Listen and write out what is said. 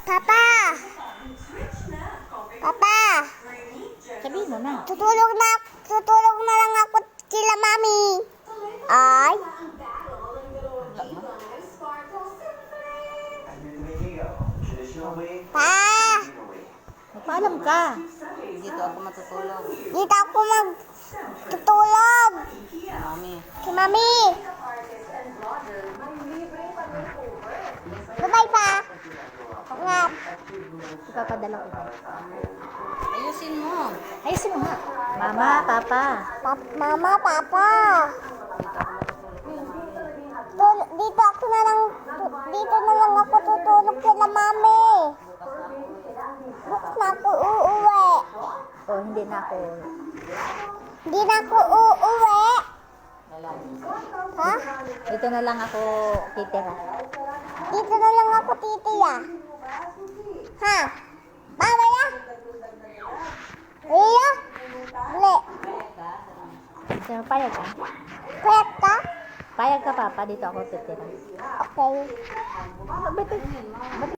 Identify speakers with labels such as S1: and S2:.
S1: Papa! Papa!
S2: Sabihin mo na.
S1: Tutulog na lang ako kila mami. Ay? Pa!
S2: Magpaalam ka. Dito ako matutulog.
S1: Dito ako magtutulog.
S2: Mami.
S1: Kay mami. Bye-bye pa. Ingat.
S2: Ipapadala ko. Ayusin mo.
S1: Ayusin mo nga.
S2: Mama, papa.
S1: Mama, papa. Dito na lang ako tutulog kila mami. Bukas na ako uuwi.
S2: Oh, hindi na ako.
S1: Hindi na ako uuwi. Ha?
S2: Dito na lang ako titira.
S1: Dito na lang ako titiya. Ha? Baba ya? Iya? Uli.
S2: So, payag ka?
S1: Pwet ka?
S2: Payag ka, papa. Dito ako titira.
S1: Okay.
S2: Ba't